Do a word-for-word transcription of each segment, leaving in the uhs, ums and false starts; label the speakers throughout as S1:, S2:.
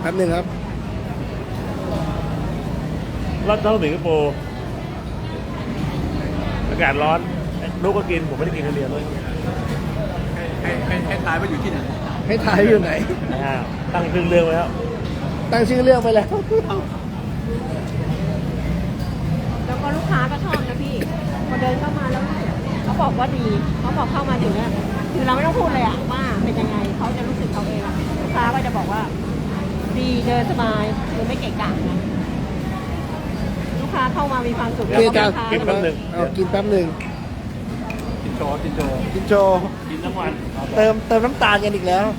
S1: แป๊บหนึ่งครับ
S2: ร้อนเท่าสิงคโปร์อากาศร้อนลูกก็กินผมไม่ได้กินคนเดียวเลย
S3: ให้ให้ให้ทายว่าอยู่ที่ไหน
S1: ให้ทายอยู่ไหน
S2: ตั้งชื่อเรื่องไว้แล้ว
S1: ตั้งชื่อเรื่องไปแล้ว
S4: แล้วก็ลูกค้าก็ชอบนะพี่พอเดินเข้ามาแล้วเขาบอกว่าดีเขาบอกเข้ามาถึงเนี่ยคือเราไม่ต้องพูดเลยอะว่าเป็นยังไงเขาจะรู้สึกเขาเองอะลูกค้าก็จะบอกว่าดีเดินสบายคือไม่เกะกะนะลูกค้าเข้ามามีความสุขแล้วก็
S1: กินแป๊บหนึ่งเอากินแป๊บหนึ่ง
S3: กินโจกินโจ
S1: กินโจ
S2: กินทั้งวัน
S1: เติมเติมน้ำตาลกันอีกแล้ว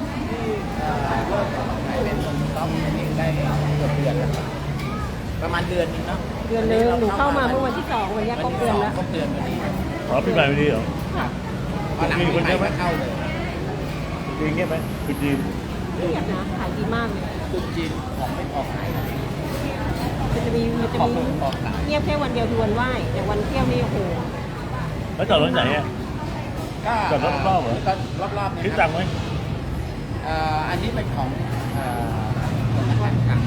S3: ประมาณเดือนนึงเนาะ
S4: เดือนนึงหนูเข้ามาเมื่อวันที่สองวันนี้ครบเดือนแล้ว
S3: ครบเดือนวันนี้
S2: อ๋อพี่ใหม่ไม่ดีเหรอ
S4: ค่ะ
S2: มีคนเยอะไหม
S3: เข้าเลย
S2: จริงเงี้ยไหมคุณจีน
S4: เงียบนะขายดีมากเลย
S3: คุณจีนของไม่ออกไหน
S4: มันจะมีมันจะมีเงียบแค่วันเดียวคือวันไหว้แต่วันเที่ยวนี่โอ้โห
S2: แล้วจอดรถไหนอ่ะจอดรถรอบเหรอ
S3: รอบๆเนี่ย
S2: คิดจังไหม
S3: อันนี้เป็นของสำนักงานกลาง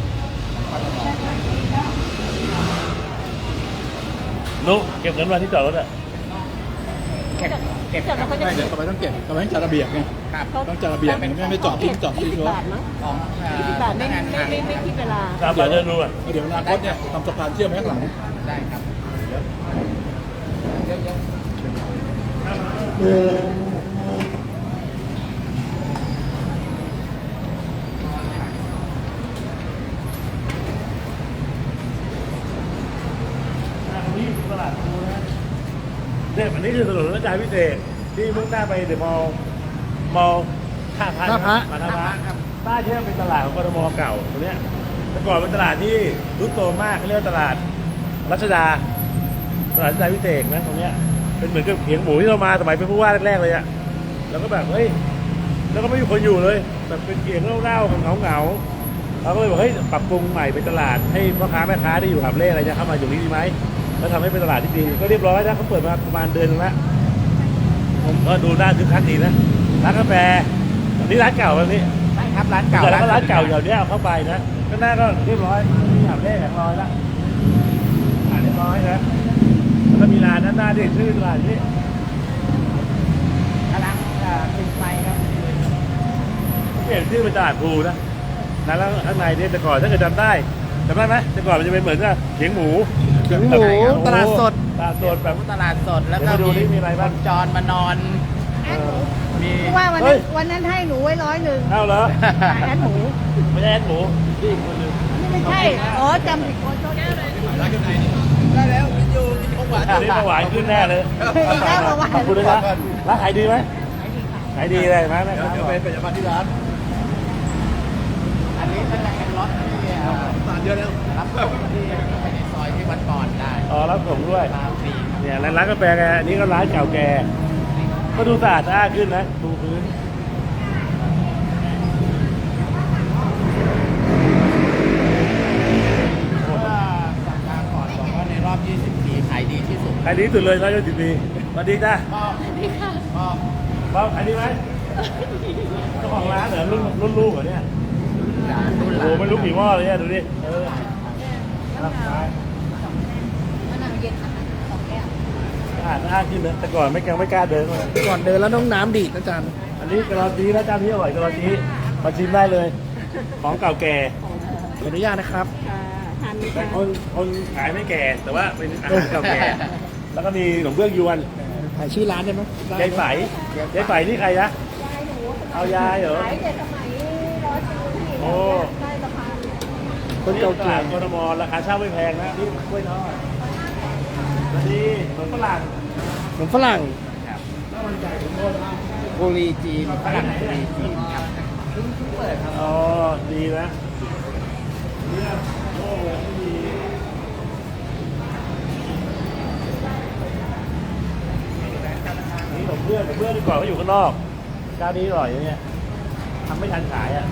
S2: นุ๊กเก็บเงินวันที่จอดรถอ่ะ
S3: เก็บเก็บไม่เดี๋ยวทำไมต้องเก็บทำไมต้องจัดระเบียบไงต้องจัดระเบียบไม่ไม่จอดทิ้งจอดทิ้งรถ
S4: ของยี่สิบบาทไม่ไม่ไม่ไม่คิดเวลา
S2: สามบาทเดินดูอ่ะ
S3: เดี๋ยวอนาคตเนี่ยทำสะพานเชื่อมข้างหลังได้ครับเยอะ
S2: ตลาดภูนะเนี่ยอันนี้คือถนนรัชดาพิเศษที่มุ่งหน้าไปเดอะมอลล์มอลล์ท่าพระท่าพระท่าพระครับบ้านที่เป็นตลาดของกทมเก่าตรงเนี้ยแต่ก่อนเป็นตลาดที่รุดโตมากเขาเรียกว่าตลาดรัชดาตลาดรัชดาพิเศษนะตรงเนี้ยเป็นเหมือนกับเขียงหมูที่เรามาสมัยเป็นผู้ว่าแรกๆเลยอะแล้วก็แบบเฮ้ยแล้วก็ไม่มีคนอยู่เลยแบบเป็นเขียงเล่าๆเงาๆเราก็เลยบอกเฮ้ยปรับปรุงใหม่เป็นตลาดให้พ่อค้าแม่ค้าที่อยู่หาบเล่อะไรจะเข้ามาอยู่นี่ดีไหมแล้วทำให้เป็นตลาดที่ดีก็เรียบร้อยนะเขาเปิดมาประมาณเดือนนึงแล้วผมก็ดูน่าคึกคักดีนะร้านกาแฟนี่ร้านเก่าแบบนี้
S3: ใช่ครับร้านเก่า
S2: แล้วก็ร้านเก่าอย่างนี้เอาเข้าไปนะก็น่าก็เรียบร้อยหาบเล่แข็งร้อยแล้วอ่าเรียบร้อยนะแล้วก็มีร้านนั้นหน้าที่ชื่อตลาดนี้
S3: กำลังติดไฟครับ
S2: เปลี่ยนชื่อเป็นตลาดภูนะนะแล้วข้างในเนี่ยแต่ก่อนถ้าเกิดจำได้จำได้ไหมแต่ก่อนมันจะเป็นเหมือนกับเขียงหมู
S1: เขียงหมูตลาดสด
S2: ตลาดสดแบบ
S3: ตลาดสดแล้วก็
S2: ดูนี่มีอะไรบ้าง
S3: จอนมานอน
S4: มีว่าวันนั้นวันนั้นให้หนูไว้ร้อยหนึ่ง
S2: เอาเหรอ
S4: แอดหมู
S2: ไม่ใช่แอดหมูนี่คนนึง
S4: ไม่ใช่อ๋อจำผิดคนได้เลย
S3: ร้านอยู่ไหนนี่ได้แล้วกินอยู่กินของหวาน
S2: นี่ของหวานขึ้นแน่เลยขอบคุณนะร้านขายดีไหมขายดีเลยไหม
S3: เดี๋ยวไปไปจับมาที่ร้านอันนี้เป็นแรงรถที่ร้านเยอะแล้วรับส่งที่ไปในซอยที่วัดก่อนได้
S2: อ๋อรับส่งด้วยเนี่ยร้านกาแฟแกอันนี้ก็ร้านเก่าแก่ก็ดูสะอาดสะอาดขึ้นนะดูพื้น
S3: สัปดาห์ก่อนบอกว่าในรอบยี่สิบปีขายดีที่สุด
S2: ขายดีสุดเลยร้อยยี่สิบปีสวัสดีจ้า
S3: พ่อสวัสดีค่ะพ่อ
S2: พ่อขายดีไหมเจ้าของร้านเหรอรุ่นรุ่นลูกเหรอเนี่ยโอ้ไม่รู้กี่หม้อเลยเนี่ยดูดิเออรับไปอ่านอ่านขึ้นเลยแต่ก่อนไม่กล้าไม่กล้าเดินเลย
S1: ก่อนเดินแล้วน้องน้ำดีดนะจัน
S2: อันนี้กระรอนจีนะจานนี้อร่อยกระรอนจีมาชิมได้เลยของเก่าแก่
S1: ขออนุญาตนะครับ
S2: แต่คนคนขายไม่แก่แต่ว่าเป็นอาหารเก่าแก่แล้วก็มีขนมเบื้องยวน
S1: ถ่ายชื่อร้านได้ไหม
S2: ยายไฝยายไฝนี่ใครนะเอายายเหรอโอ้
S1: คนเก่าแก่
S2: กทมราคาเช่าไม่แพงนะนี่กล้วยทอดอันนี้ขนมฝรั่ง
S1: ขนมฝรั่ง
S3: โคลีจีนฝรั่งโคลีจีนครับเพิ่งเปิดครับ
S2: อ๋อดีนะเนี่ยโอ้ดีนี่ขนมเบื้องขนมเบื้องดีกว่าเขาอยู่ข้างนอกเจ้านี้อร่อยอย่างเงี้ยทำไม่ทันขายอ่ะ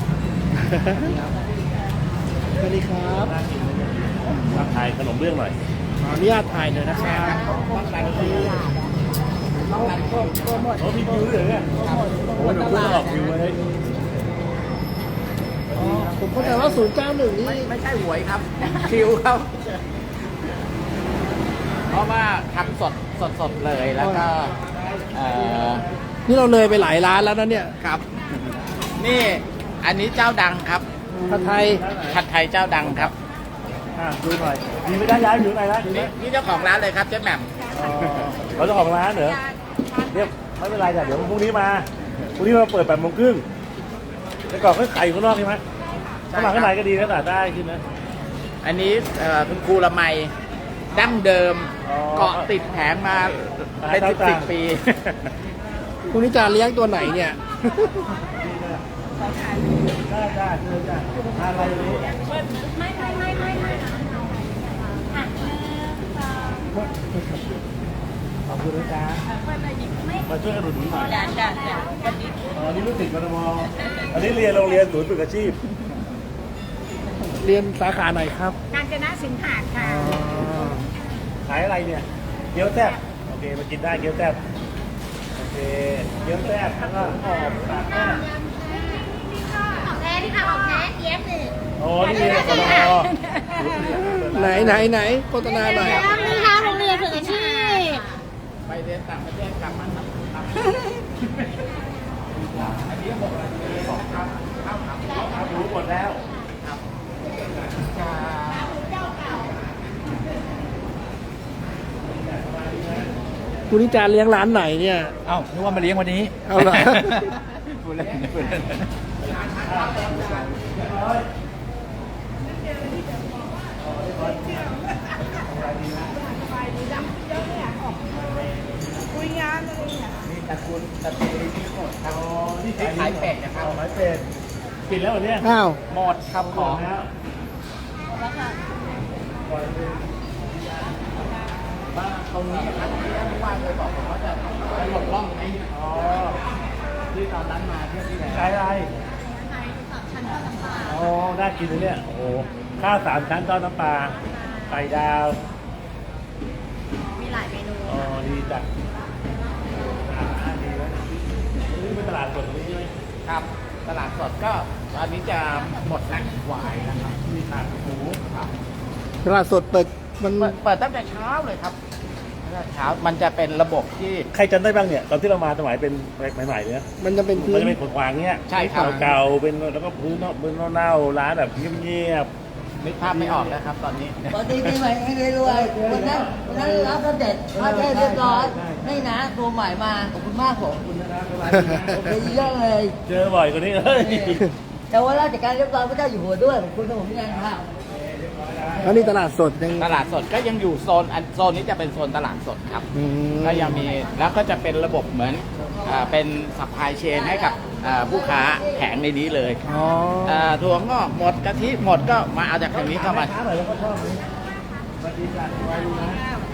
S1: สวัสดีครับ
S2: มาถ่ายขนมเบื้องหน่อย
S1: ขออนุญาตถ่ายหน่อยนะครับ
S2: โอ้มีคิวด้วยเหรอเนี่ยโอ้โหหนูเพิ่งออกคิวเลย
S1: ผมเข้าใจว่าศูนย์เก้าหนึ่งนี่
S3: ไม่ไม่ใช่หวยครับ คิวครับ เพราะว่าทำสดสดสดเลยแล้วก็เอ่อ
S1: นี่เราเลยไปหลายร้านแล้วนะเนี่ย
S3: ครับ นี่อันนี้เจ้าดังครับ
S1: ผัดไทย
S3: ผัดไทยเจ้าดังครับ
S2: อ่ะดูหน่อยดีไม่ได้ย้ายอยู่ไหนนะดีไหม
S3: นี่นี่เจ้าของร้านเลยครับเจ๊แหม่ม
S2: อ๋อเขาเจ้าของร้านเหรอเรียบไม่เป็นไรจ้ะเดี๋ยวพรุ่งนี้มาพรุ่งนี้มาเปิดแปดโมงครึ่งแต่ก่อนเขาขายอยู่ข้างนอกใช่ไหมข้างหลังข้างในก็ดีนะแต่ได้ขึ้นนะ
S3: อันนี้เอ่อคุณครูละไมดั้งเดิม
S2: อ๋อ
S3: เกาะติดแผงมาเป็นสิบสิบปี
S1: คุณนิจาเลี้ยงตัวไหนเนี่ย
S2: ได้ได้เชิญจ้ะอะไรนี้
S4: ไม่ไม่ไม่ไม่ไม่
S2: ขอบคุณนะจ๊ะมาช่วยกันหนุนหน่อย
S4: จ้าจ้าจ้าวันนี้
S2: อ๋อนี่ลูกศิษย์กทมอันนี้เรียนโรงเรียนศูนย์ฝึกอาชีพ
S1: เรียนสาขาไหนครับ
S4: การจนะสินหาดค่ะ
S2: ขายอะไรเนี่ย เกี๊ยวแซ่บโอเคมากินได้เกี๊ยวแซ่บโอเค เกี๊ยวแซ่บแล้วก็หอมปากแซ่บ
S4: ของแท้ที่ค่ะของแท้เทียบหนึ่ง
S2: อ๋อนี่เรียนกทม
S1: ไหนไหนไหนโฆษณาหน่อย
S4: นี่ค่ะโรงเรียนฝึกอาชีพ
S3: ไปเรียนต่างประเทศกลับมาทำทำอันนี้หกนาทีสองครับข้าวขาหมู
S2: ครับรู้หมดแล้ว
S1: คุณนิจาเลี้ยงร้านไหนเนี่ย
S3: เอ้านึกว่ามาเลี้ยงวันนี้
S1: เอาเหรอ
S3: พูดเล่นพูดเล่น มีตระกูลตระกูลที่หมดครับที่ขายเป็ดนะครับ
S2: ขายเป็ดปิดแล้วเหรอเนี่ย
S1: อ้าว
S3: หมดครับของ
S2: แล้ว
S3: บ้านตรงนี้ครับที่ท่านผู้ว่าเคยบอกผมว่าจะจะหลบล่องไอ้
S2: อ๋อ
S3: ที่ตอนนั้นมาเที่ยวที่แล้ว
S2: ขายอะไรอ๋อน่ากินเลยเนี่ย โอ้โห ข้าวสามชั้นทอดน้ำปลา ไข่ดาว
S4: มีหลายเมนู
S2: อ๋อ ดีจัดอ่าดีนะนี่เป็นตลาดสดตรงนี้ใช่ไหม
S3: ครับ ตลาดสดก็ตอนนี้จะหมดนักหวายนะครับ
S2: มีขาหมู
S3: ครับ
S1: ตลาดสดเปิดมัน
S3: เปิดเปิดตั้งแต่เช้าเลยครับตั้งแต่เช้ามันจะเป็นระบบที่
S2: ใครจำได้บ้างเนี่ย ตอนที่เรามาสมัยเป็นใหม่ๆเนี่ย
S1: มันจะเป็นพื้
S2: มัน
S1: น
S2: จะเป็นขวางๆเงี้ย
S3: ใช่ครับ
S2: เก่าๆเป็นแล้วก็พื้นเนาะพื้นเน่าๆร้านแบบเงียบ
S3: นึกภาพไม่ออกแล้วครับตอนนี้
S5: ปกติปีใหม่ให้รวยๆวันนั้นวันนั้นรับเสด็จพระเทพเรียบร้อยนี่นะตัวใหม่มาขอบคุณมากผม
S2: ๆคุณนะครับสบายดีนะ
S5: โอเคเยอะเลย
S2: เจอบ่อยกว่านี้เฮ้ย
S5: แต่ว่าราชการเรียบร้อยพระเจ้าอยู่หัวด้วยขอบคุณที่ผมยังครับ
S1: แล้วนี่ตลาดสดยัง
S3: ตลาดสดก็ยังอยู่โซนอันโซนนี้จะเป็นโซนตลาดสดครับ
S1: อืม
S3: ก็ยังมีแล้วก็จะเป็นระบบเหมือนอ่าเป็นสัพพลายเชนให้กับอ่าผู้ค้าแผงในนี้เลย
S1: อ๋อ
S3: อ่าถั่วงอกหมดกะทิหมดก็มาเอาจากทางนี้เข้ามา
S2: ค้าหน่อยแล้วก็ชอบนี้สวัสดีจ้ะสบายดีนะ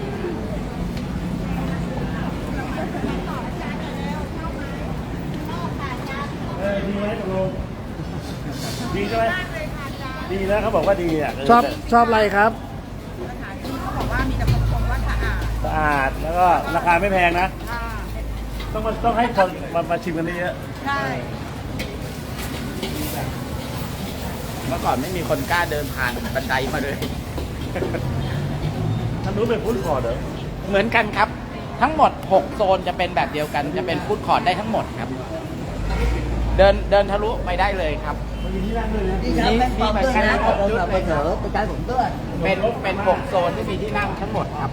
S2: เออดีไหมตกลงดีใช่ไหมดีนะเขาบอกว่าดีอ่ะเ
S1: ชอบชอบอะไรครับ
S2: สะอาดแล้วก็ราคาไม่แพงนะต้องมาต้องให้คนมามาชิมกันเยอะ
S3: เมื่อก่อนไม่มีคนกล้าเดินผ่านบันไดมาเลย
S2: ท่านรู้เป็นฟู้ดคอร์ทเหรอ
S3: เหมือนกันครับ ทั้งหมดหกโซนจะเป็นแบบเดียวกัน จะเป็นฟู้ดคอร์ทได้ทั้งหมดครับ เดินเดินทะลุไปได้เลยครับ
S2: มันมีที่นั่งด้วยนะ
S5: ดีครับแม่ปอมด้วยนะขอบคุณสำหรับเสนอตัวใจผมด้วย
S3: เป็นเป็นหกโซนที่มีที่นั่งทั้งหมดครับ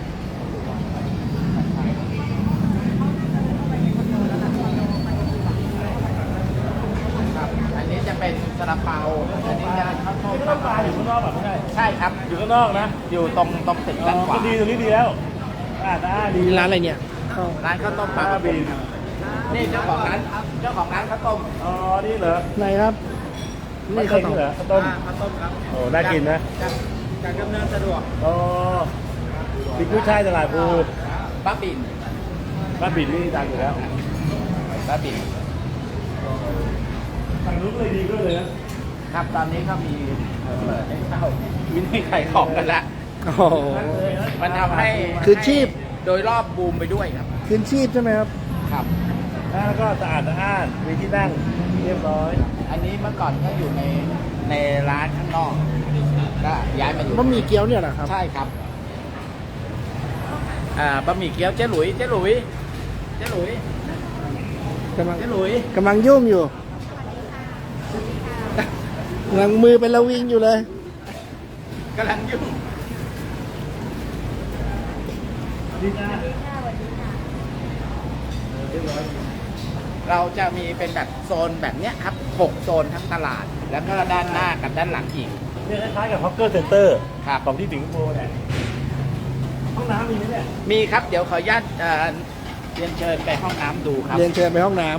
S3: ครับ อันนี้จะเป็นซาลาเปาอันนี้จะข้าวต้ม
S2: นี่ก็ต้องปลาอยู่ข้างนอกแบบไม่ใช่
S3: ใช่ครับ
S2: อยู่ข้างนอกนะ
S3: อยู่ตรงตรงตึกด้านขวา
S2: ก็ดีตรงนี้ดีแล้วสะอาดสะอาดดี
S1: มีร้านอะไรเนี่ยข้าว
S3: ร้านข้าวต้มปลากระพงนี่เจ้าของร้านเจ้าของร้านข้าวต้ม
S2: อ๋อนี่เหรอ
S1: ไหนครับ
S2: นี่
S1: นี่
S2: ข้า
S1: ข้าว ว
S2: ต้
S1: ต้
S2: ม
S1: ม
S2: เหรอข้าวต้ม
S3: ข้าวต้มครับ
S2: โอ้น่ากินนะ
S3: จากจากดำเนินสะดวก
S2: อ๋อพริกกุ้ยช่ายตลาดภู
S3: บ้าบิน
S2: บ้านบินนี่ดังอยู่แล้ว
S3: บ้าบิน
S2: ฝั่งนู้นก็เลยดีด้วยเลยนะครับ
S3: ตอนนี้ก็มีเปิดให้เช่าวินิจขายของกันละ
S1: โอ้โห
S3: มันทำให้
S1: คือชีพ
S3: โดยรอบบูมไปด้วยครับ
S1: คืนชีพใช่ไหมครับ
S3: ครับ
S2: แล้วก็สะอาดสะอาดมีที่นั่งเรียบร้อย
S3: อันนี้เมื่อก่อนก็อยู่ในในร้านานข้างนอกก็ย้ายมาอยู่
S1: บะหมี่เกี๊ยวเนี่ยเหรอครับ
S3: ใช่ครับอ่าบะหมี่เกี๊ยวเจ๊หลุยเจ๊หลุยเจ๊หลุย
S1: กำลัง
S3: เจ๊หลุย
S1: กำลังยุ่งอยู่กำลังมือเป็นระวิงอยู่เลย
S3: กำลังยุ่ง
S2: ดีนะ
S3: เราจะมีเป็นแบบโซนแบบเนี้ยครับหกโซนทั้งตลาด แล้วก็ด้านหน้ากับด้านหลังอีก
S2: เนี่ยคล้ายๆกับฮอกเกอร์เซ็นเตอร์
S3: ครับ
S2: ของที่สิงคโปร์เนี่ยห้องน้ำมีไหมเนี่ย
S3: มีครับเดี๋ยวขออนุญาตเอ่อเรียนเชิญไปห้องน้ำดูครับ
S1: เรียนเชิญไปห้องน้ำ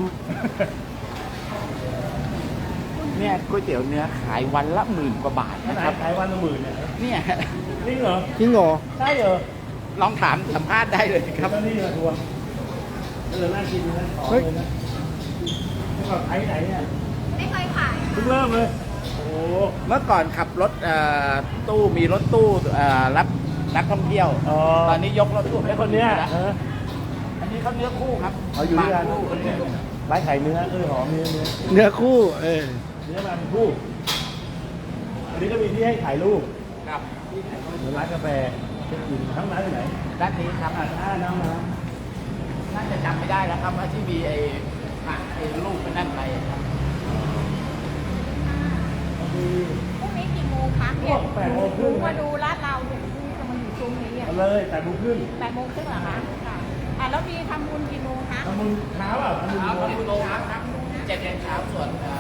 S3: เนี่ยก๋วยเตี๋ยวเนื้อขายวันละหมื่นกว่าบาท
S2: ข
S3: นะ
S2: นา
S3: ครั
S2: ด
S3: บ
S2: ขายวันละหมื่นเนี่ย
S3: เนี่ย
S2: จริงเหรอ
S1: จริงเหรอ
S2: ใช่เหรอ
S3: ลองถามสัมภาษณ์ได้เลยครับ
S2: เจ้าหนี่มาทวงเออน่ากินนะขอเลยนะเมื่อก่อนขายที่ไหนเนี่ย
S4: ไม่เคยขาย
S2: เพิ่งเริ่มเลย โอ้โห
S3: เมื่อก่อนขับรถเอ่อตู้มีรถตู้เอ่อรับนักท่องเที่ยว
S2: อ๋อ
S3: ตอนนี้ยกรถตู้
S2: ไอ้คนเนี้ย
S3: แล้ว
S2: เออ
S3: อันนี้เขาเนื้อคู่ครับ
S2: เขาอยู่ด้วยกัน
S3: มาคู่คนเนี้ย
S2: ร้านขายเนื้อเออหอมเนื้อเนื้อ
S1: เนื้อคู่ เออ
S2: เนื้อมาเป็นคู่ อันนี้ก็มีที่ให้ถ่ายรูป
S3: ครับ
S2: เหมือนร้านกาแฟเช็คอินทั้งร้านที่ไหน
S3: ด้านนี้ครับ
S2: อ่าอ่าน้ำนะ
S3: น่าจะจำไม่ได้แล้วครับว่าที่มีไอ้ผักไอ้ลูกเป็นนั่นไปครับ
S2: บางที
S4: พรุ่งนี้กี่โมงคะเนี่ย
S2: แปดโมงครึ่ง
S4: มาดูร้านเราเนี่ยพรุ่งนี้จะมาอยู่ตรงนี้อ่ะ
S2: เอาเลยแต่บุกขึ้น
S4: แปดโมงครึ่งเหรอคะค่ะอ่ะแล้วมีทำบุญกี่โมงคะ
S2: ทำมึงเช้าเปล่าทำมึง
S3: เอา
S2: โมง
S3: คุณโลครับครับเจ็ดโมงเช้าส่วนเอ่อ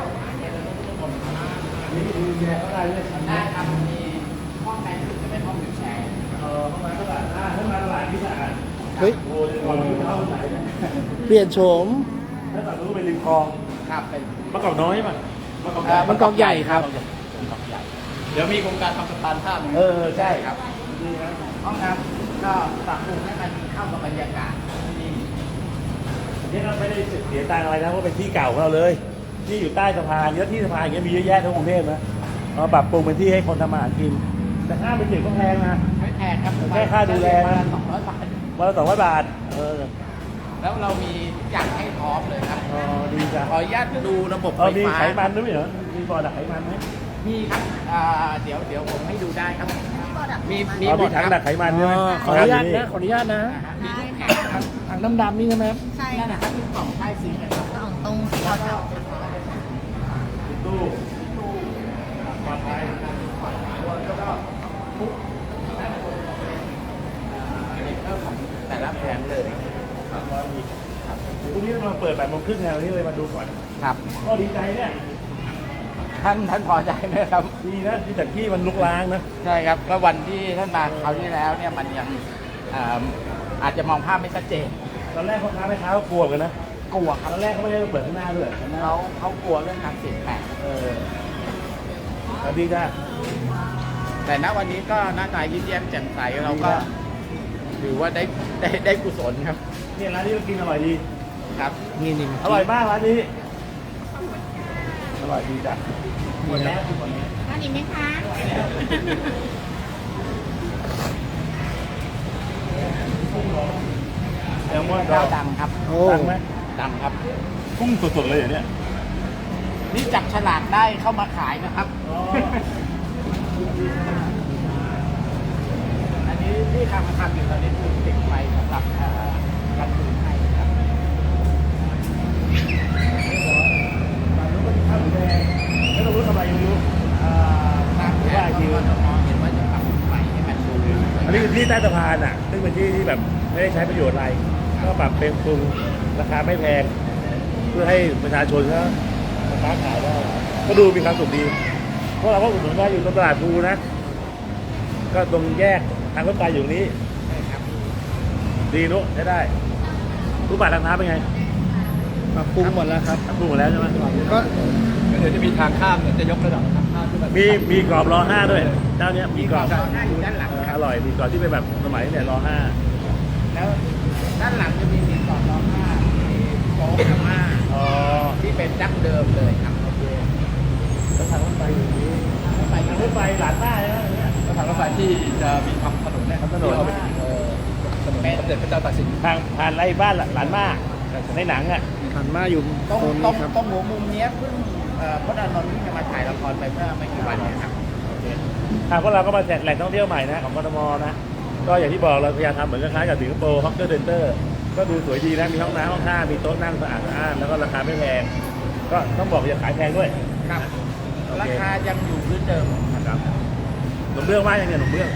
S2: นี่ดูแชร์เขาได้ด้วยชั้น
S3: ได้
S2: นี้
S3: ครับมีห้องในสุดจะเป็นห้องวิวแชร์
S2: เออเข้ามาตลาดอ่าเข้ามาตลาดที่สะอาด
S1: เฮ้ย
S2: โอ้ยก่อนที่เข้าไหนนะ
S1: เปลี่ยนโฉม
S2: แล้วฝั่งนู้นเป็นริมคลอง
S3: ครับเป็น
S2: มะกอกน้อยป่ะมะกอก
S3: เอ่อ
S1: มันกองใหญ่ครับ
S3: มันกองใหญ่เดี๋ยวมีโครงการทำสะพานข้าม
S2: เออใช่
S3: ครับ
S2: ดีนะ
S3: ห้องน้ำก็ปรับปรุงให้มันเข้ากับบรรยากาศที่นี่
S2: นี่เราไม่ได้เสียตังค์อะไรนะเพราะเป็นที่เก่าของเราเลย ที่อยู่ใต้สะพานเยอะที่สะพานอย่างเงี้ยมีเยอะแยะทั้งกรุงเทพนะเราปรับปรุงเป็นที่ให้คนทำมาหากิน แต่ค่าเป็นเด็กก็แพงนะ
S3: ไม่แพงครับ
S2: แค่ค่าดูแล
S3: วันละสองร้อยบาท
S2: วันละสองร้อยบาท เออ
S3: แล้วเรามีทุกอย่างให้พร้อมเลยครับ
S2: อ๋อดีจ้ะ
S3: ขออนุญาตดูระบบ
S2: เอ
S3: ไฟ
S2: อมี
S3: ฟ้า
S2: ไขมันด้วยเหรอมีบ่อดักไขมันไหม
S3: มีครับอ่าเดี๋ยวเดี๋ยวผมให้ดูได้ครับ มีมี
S2: อ๋อ
S3: หม
S2: มี
S3: ด
S2: ถัง
S3: ครับ
S2: ดักไขมันใช่ไหม
S1: อ๋อขออนุญาตนะ ขออนุญาตนะ
S3: อ่าฮะมีทุกแผงครับ
S1: ถังดำๆนี่ใช่ไหมครับ
S4: ใช่
S3: นั่นนะครับที่กล่องใต้ซิงค์นะครับ
S4: ของตรงแถว
S2: มีตู้ปลอดภัย
S3: แต่ละแผงเลย
S2: พรุ่งนี้เราเปิดแปดโมงครึ่งไงวันนี้เลยมาดูก่อน
S3: ครับ
S2: ก็ดีใจเนี่ย
S3: ท่านท่านพอใจไหมครับ
S2: ดีนะที่แต่ที่มันลุกล้างนะ
S3: ใช่ครับก็วันที่ท่านมาคราวที่แล้วเนี่ยมันยังอ่าอาจจะมองภาพไม่ชัดเจน
S2: ตอนแรกพ่อค้าแม่ค้าก็กลัวกันนะ
S3: กลัวครับ
S2: ตอนแรกเขาไม่ได้เปิดข้างหน้าด้วยข้างหน้า
S3: เขาเขากลัวเรื่องการเปลี่ยนแปลง
S2: เออสวัสดีจ้า
S3: แต่ณวันนี้ก็หน้าตายิ้มแย้มแจ่มใสเราก็ถือว่าได้ได้ได้กุศลครับ
S2: เนี่ยร้านนี้ก็กินอร่อยดี
S3: ครับ
S1: นี่นี่
S2: อร่อยมากร้านนี้ อร่อยดีจ้ะหมดแล้วหมดแล้ว
S4: อันนี้ไหมคะ
S2: แซลมอน
S3: เจ้าดังครับ
S1: โอ้
S2: ดังไหม
S3: ดังครับ
S2: กุ้งสดๆเลยเหรอเนี่ย
S3: นี่จับฉลากได้เข้ามาขายนะครับ
S2: อ๋อ
S3: อันนี้ที่ทำทำอยู่ตอนนี้คือติดไฟสำหรับเอ่อการดูให้ครับ
S2: ร้านนู้นก็มีข้าวหมูแดงแล้วเรารู้ทำไมไม่รู้
S3: เอ่อตามแผนของกทมเห็นว่าจะปรับไฟให้มันดู
S2: อันนี้คือที่ใต้สะพานอ่ะ ซึ่งเป็นที่ที่แบบไม่ได้ใช้ประโยชน์อะไร ก็ปรับเป็นปรุงราคาไม่แพง เพื่อให้ประชาชนเขาค้าขายได้ ก็ดูมีความสุขดี เพราะเราก็อุดหนุนว่าอยู่ตรงตลาดภูนะ ก็ตรงแยกทางรถไฟอยู่ตรงนี้ ดีนุใช้ได้รูปบัตรทางน้ำเป็นไง
S1: ปรับปรุงหมดแล้วครับ
S2: ทำปรุงหมดแล้วใช่ไหม
S1: ก็
S6: เดี๋ยวจะมีทางข้ามเนี่ยจะยกระดับทางข้ามขึ้นมา
S2: มีมีกรอบรอห้าด้วย เจ้าเนี้ยมีกรอบ
S3: รอห้าอยู่ด้านหลัง
S2: เออ
S3: ค
S2: อ
S3: รับ
S2: ร่อยมีกรอบที่เป็นแบบสมัยเนี่ยรอห้า
S3: แล้วด้านหลังจะมีมีก่อนรอห้ามีโต๊ะอาม่า
S2: อ๋อ
S3: ที่เป็นดั้งเดิมเลยครับโอเค
S2: แล้วทางรถไฟอยู่นี้
S3: ไป
S2: ทางรถไฟหลานหน้าใช่ไหมเนี่ย
S6: แล้วทางรถไฟที่จะมีทำถนนเนี่ย
S2: ทำถนน
S6: ที่เอาไปถึงเอ่อถนนสมเด็จพระเจ้าตากสิน
S2: ทางผ่านไรบ้านหลานมาในหนังอ่ะ
S1: หันมาอยู่
S3: ตรง
S1: โซน
S3: ตร
S1: นี้
S3: ง
S1: ครับ
S3: ตรงหัวมุมเนี้ยเพิ่งเอ่อพจน์อานนท์ที่จะมาถ่ายละครไปเมื่อไม่กี่วันเนี้ครับ
S2: ทางพวกเราก็มาแหล่งท่องเที่ยวใหม่นะของกทมนะก็อย่างที่บอกเราพยายามทำเหมือนคล้ายๆกับสิงคโปร์ฮอกเกอร์เซ็นเตอร์ก็ดูสวยดีนะมีห้องน้ำห้องท่ามีโต๊ะนั่งสะอาดสะอาดแล้วก็ราคาไม่แพงก็ต้องบอกอย่าขายแพงด้วย
S3: ครับ
S2: โอเค
S3: ราคายังอยู่พื้นเดิม
S2: นะครับหนุ่มเบื้องว่ายังไงหนุ่มเบื้อง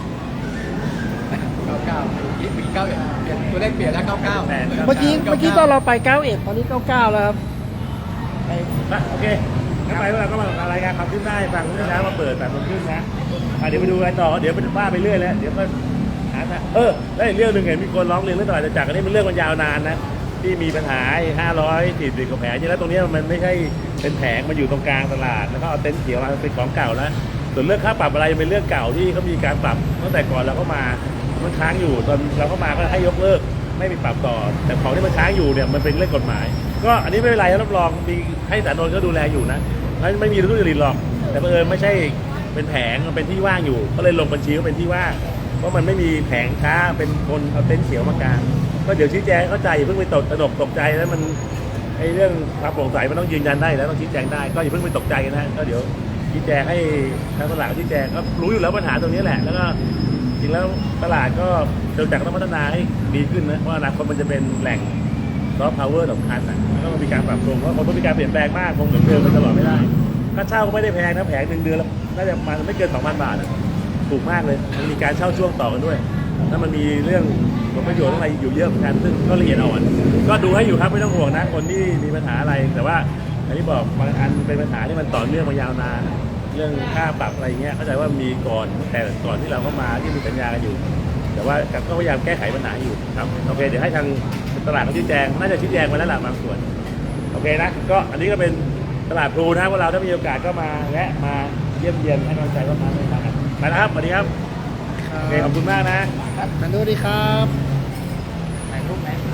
S6: เก้าเก้ายี่สิบเก้าเอ็ดเปลี่ยนตัวเลขเปลี่ยนแล้วเก้าเก้า
S2: แปด
S1: เมื่อกี้เมื่อกี้ตอนเราไปเก้าเอ็ดตอนนี้เก้าเก้าแล้วครับ
S2: นะโอเคงั้นไปพวกเราก็มารายงานความคืบหน้าให้ฟังเมื่อเช้ามาเปิดแปดโมงครึ่งนะอ่ะเดี๋ยวไปดูอะไรต่อเดี๋ยวไปว่าไปเรื่อยแล้วเดี๋ยวก็หาทางเออแล้วอีกเรื่องหนึ่งเห็นมีคนร้องเรียนเรื่องตลาดจตุจักรอันนี้มันเรื่องมันยาวนานนะที่มีปัญหาห้าร้อยสี่สิบกว่าแผงจริงแล้วตรงนี้มันไม่ใช่เป็นแผงมันอยู่ตรงกลางตลาดแล้วก็เอาเต็นท์เขียวมาเป็นของเก่าแล้วส่วนเรื่องค่าปรับอะไรเป็นเรื่องเก่าที่เขามีการปรับตั้งแต่ก่อนเราเข้ามามันค้างอยู่ตอนเราเข้ามาก็ให้ยกเลิกไม่มีปรับต่อแต่ของที่มันค้างอยู่เนี่ยมันเป็นเรื่องกฎหมาย ก็อันนี้ไม่เป็นไรรับรองมีให้สารนนท์ก็ดูแลอยู่นะไม่ไม่มีทุจริตหรอกแต่บังเอิญไม่ใช่เป็นแผงมันเป็นที่ว่างอยู่ก็เลยลงบัญชีว่าเป็นที่ว่างเพราะมันไม่มีแผงค้าเป็นคนเอาเต็นท์เขียวมากางก็เดี๋ยวชี้แจงเข้าใจอย่าเพิ่งไปตกตระหนกตกใจแล้วมันไอ้เรื่องความโปร่งใสมันต้องยืนยันได้แล้วต้องชี้แจงได้ก็อย่าเพิ่งไปตกใจนะก็เดี๋ยวชี้แจงให้ทางตลาดชี้แจงก็รู้อยู่แล้วปัญหาตรงนี้แหละแล้วก็จริงแล้วตลาดก็เดินจากต้องพัฒนาให้ดีขึ้นนะเพราะอนาคตมันจะเป็นแหล่งซอฟต์พาวเวอร์สำคัญนะก็ต้องมีการปรับปรุงเพราะคนต้องมีการเปลี่ยนแปลงมากคงเหมือนเดิมไปตลอดไม่ได้ค่าเช่าก็ไม่ได้แพงนะแผงหนึ่งเดือนแล้วน่าจะประมาณไม่เกินสองพันบาทนะถูกมากเลยมันมีการเช่าช่วงต่อกันด้วยถ้ามันมีเรื่องผลประโยชน์อะไรอยู่เยอะเหมือนกันซึ่งก็ละเอียดอ่อนก็ดูให้อยู่ครับไม่ต้องห่วงนะคนที่มีปัญหาอะไรแต่ว่าอย่างที่บอกบางอันเป็นปัญหาที่มันต่อเนื่องมายาวนานเรื่องค่าปรับอะไรเงี้ยเข้าใจว่ามีก่อนแต่ก่อนที่เราเข้ามาที่มีสัญญากันอยู่แต่ว่าก็พยายามแก้ไขปัญหาอยู่ครับโอเคเดี๋ยวให้ทางตลาดเขาชี้แจงน่าจะชี้แจงมาแล้วล่ะบางส่วนโอเคนะก็อันนี้ก็เป็นตลาดพลูนะพวกเราถ้ามีโอกาสก็มาแวะมาเยี่ยมเยียนให้กำลังใจว่ามาไม่มากันไปนะครับสวัสดีครับโอเคขอบคุณมากนะ
S1: กันดูดีครับ
S3: ถ่ายรูปไหม